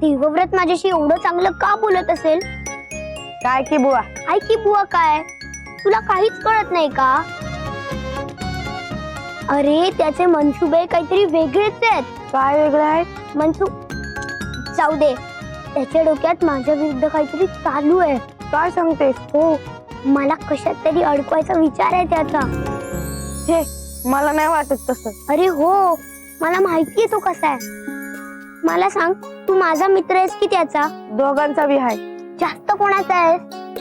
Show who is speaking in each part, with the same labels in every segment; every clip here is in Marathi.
Speaker 1: देवव्रत माझ्याशी एवढं चांगलं का बोलत असेल?
Speaker 2: काय की बुवा?
Speaker 1: काय की बुवा काय? तुला काहीच कळत नाही का? अरे त्याचे मनसुबे काहीतरी वेगळेच आहेत.
Speaker 2: काय वेगळं आहे?
Speaker 1: मनसू जाऊ दे, त्याच्या डोक्यात माझ्या विरुद्ध काहीतरी चालू आहे.
Speaker 2: काय सांगतेस?
Speaker 1: हो, मला कशात तरी अडकवायचा विचार आहे त्याचा.
Speaker 2: हे मला नाही वाटत तसं.
Speaker 1: अरे हो, मला माहितीये तो कसा आहे. मला सांग, तू माझा मित्र आहेस की त्याचा?
Speaker 2: दोघांचा बी आहे.
Speaker 1: जास्त कोणाचा आहेस?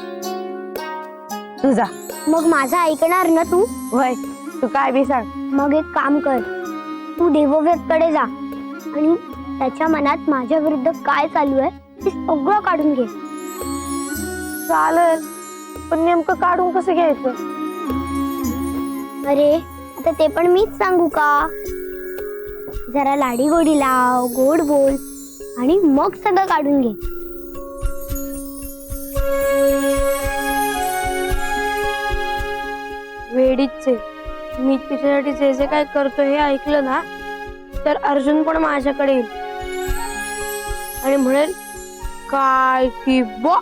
Speaker 2: तुझा.
Speaker 1: मग माझा ऐकणार ना तू?
Speaker 2: वय तू काय बी सांग.
Speaker 1: मग एक काम कर, तू देवव्रत कडे जा आणि त्याच्या मनात माझ्या विरुद्ध काय चालू आहे ते सगळं काढून घे.
Speaker 2: चालेल, पण नेमकं काढून कसं घ्यायचं?
Speaker 1: अरे आता ते पण मीच सांगू का? जरा लाडी गोडी लाव, गोड बोल आणि मग सगळं काढून घे.
Speaker 2: वेडीच आहे. मी तिच्यासाठी जे जे काय करतो हे ऐकलं ना तर अर्जुन पण माझ्याकडे येईल आणि म्हणेल काय की बो.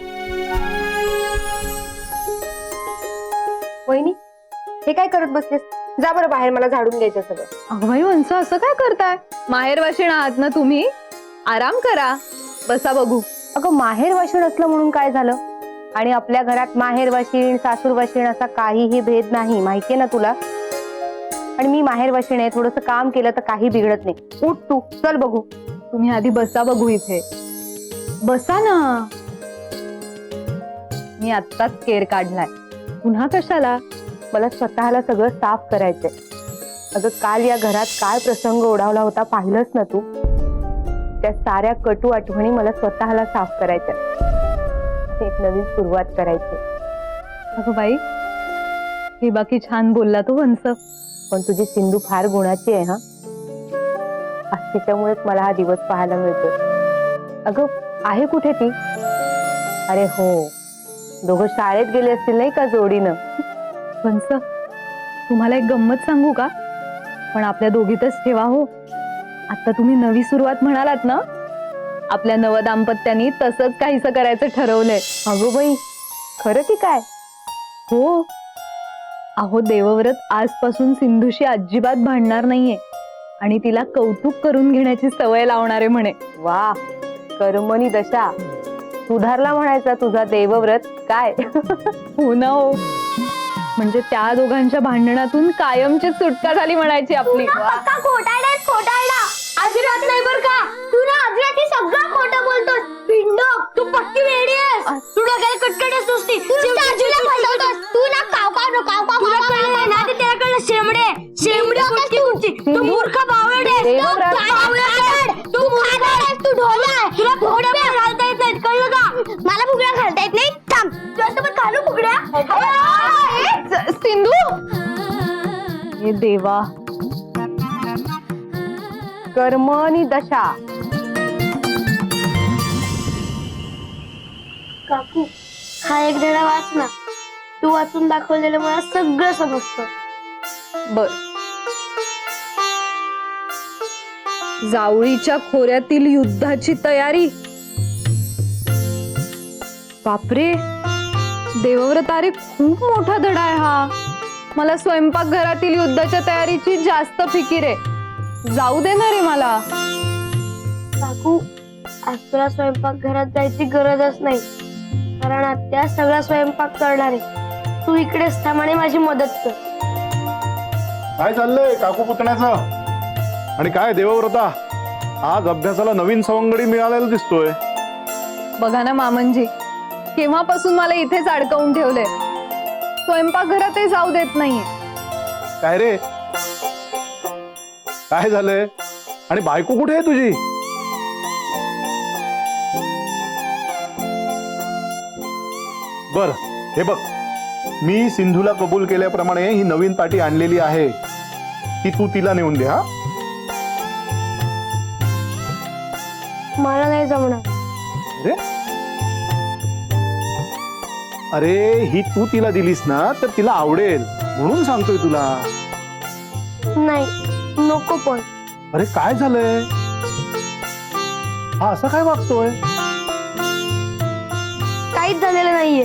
Speaker 3: वहिनी, हे काय करत बसलेस? जा बरं बाहेर, मला झाडून घ्यायचं सगळं.
Speaker 4: अगं बाई वंस, असं काय करताय? माहेर वाशीण आहात ना तुम्ही, आराम करा, बसा बघू.
Speaker 3: अगं माहेर वाशीण असलं म्हणून काय झालं? आणि आपल्या घरात माहेर वाशीण सासूर वाशीण असा काहीही भेद नाही, माहितीये ना तुला. आणि मी माहेर वाशीण आहे, थोडस काम केलं तर काही बिघडत नाही. उठ तू, चल बघू.
Speaker 4: तुम्ही आधी बसा बघू इथे. बसा ना. मी आत्ताच केर काढलाय, पुन्हा कशाला?
Speaker 3: मला स्वतःला सगळं साफ करायचंय. अगं काल या घरात काय प्रसंग ओढावला होता पाहिलंच ना तू. त्या साऱ्या कटू आठवणी मला स्वतःला साफ करायच्या. एक नवीन सुरुवात करायची.
Speaker 4: अगं बाई, हे बाकी छान बोलला तो वंस.
Speaker 3: पण तुझी सिंधू फार गुणाची आहे. हा, त्याच्यामुळेच मला हा दिवस पाहायला मिळतो. अगं आहे कुठे ती? अरे हो, दोघं शाळेत गेले असतील नाही का जोडीनं.
Speaker 4: वंस, तुम्हाला एक गंमत सांगू का? पण आपल्या दोघीतच ठेवा हो. आता तुम्ही नवी सुरुवात म्हणालात ना, आपल्या नवदाम्पत्यानी तसंच काहीसं करायचं ठरवलंय.
Speaker 3: अगो बाई, खरं की काय?
Speaker 4: हो. अहो, देवव्रत आजपासून सिंधूशी अजिबात भांडणार नाहीये आणि तिला कौतुक करून घेण्याची सवय लावणारे म्हणे.
Speaker 3: वा, कर्मणी दशा. सुधारला म्हणायचा तुझा देवव्रत काय.
Speaker 4: हो ना हो, म्हणजे त्या दोघांच्या भांडणातून कायमची सुटका झाली म्हणायची आपली.
Speaker 1: खोटारडा अजिबात नाही बर का. तू ना अजिबात हे सगळं खोटं बोलतोस. पिंड, तू पक्की वेडी आहेस. तू डोक्याला कटकटच नुसती. तू ना काव ना ते त्याकडे शेमडे कुठची. तू मूर्ख बावळट आहेस. तू खाणार आहेस, तू ढोला आहे. तुला फुगड्या पण घालता येत नाहीत, कळलं का? मला फुगड्या घालता येत नाही. थांब, तुला पण घालू फुगड्या.
Speaker 4: सिंधू, हे देवा.
Speaker 3: कर्मणी दशा.
Speaker 2: काकू, हा एक धडा वाच ना. तू वाचून दाखवलेलं मला सगळं समजतं.
Speaker 4: बर. जावळीच्या खोऱ्यातील युद्धाची तयारी. बापरे, देवव्रत, अरे खूप मोठा धडा आहे हा. मला स्वयंपाकघरातील युद्धाच्या तयारीची जास्त फिकीर आहे. जाऊ दे ना रे मला.
Speaker 2: काकू, आज तुला स्वयंपाक घरात जायची गरजच नाही, कारण आत्या सगळा स्वयंपाक करणार आहे. तू इकडेच थांब आणि माझी मदत कर.
Speaker 5: काय चाललंय काकू पुतण्याचं? आणि काय देवव्रता, आज अभ्यासाला नवीन सवंगडी मिळालेला दिसतोय.
Speaker 4: बघा ना मामनजी, केव्हापासून मला इथेच अडकवून ठेवलंय. स्वयंपाकघरातही जाऊ देत नाहीये.
Speaker 5: काय रे, काय झालंय? आणि बायको कुठे आहे तुझी? बर, हे बघ, मी सिंधूला कबूल केल्याप्रमाणे ही नवीन पाटी आणलेली आहे, ती तू तिला नेऊन दे. हा,
Speaker 2: मला नाही जमणार.
Speaker 5: अरे अरे, ही तू तिला दिलीस ना तर तिला आवडेल म्हणून सांगतोय तुला.
Speaker 2: नाही, नको पण.
Speaker 5: अरे काय झालंय? हा असं काय वागतोय?
Speaker 2: काहीच झालेलं नाहीये.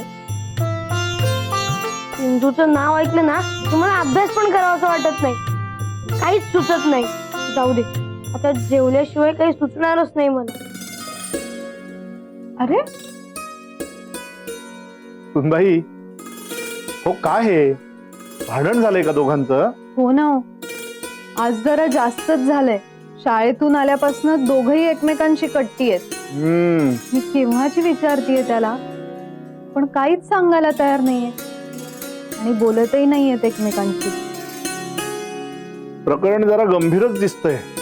Speaker 2: सिंधूचं नाव ऐकलं ना तुम्हाला अभ्यास पण करावासा वाटत नाही, काहीच सुचत नाही. जाऊ दे, आता जेवल्याशिवाय काही सुचणारच नाही मला.
Speaker 4: अरे
Speaker 5: सुनबाई, हो काय हे भांडण झालंय का दोघांचं?
Speaker 4: हो ना हो. आज जरा जास्तच झालंय. शाळेतून आल्यापासून दोघही एकमेकांशी कट्टी आहेत. मी केव्हाची विचारतीये त्याला, पण काहीच सांगायला तयार नाहीये आणि बोलतही नाहीयेत एकमेकांशी.
Speaker 5: प्रकरण जरा गंभीरच दिसतंय.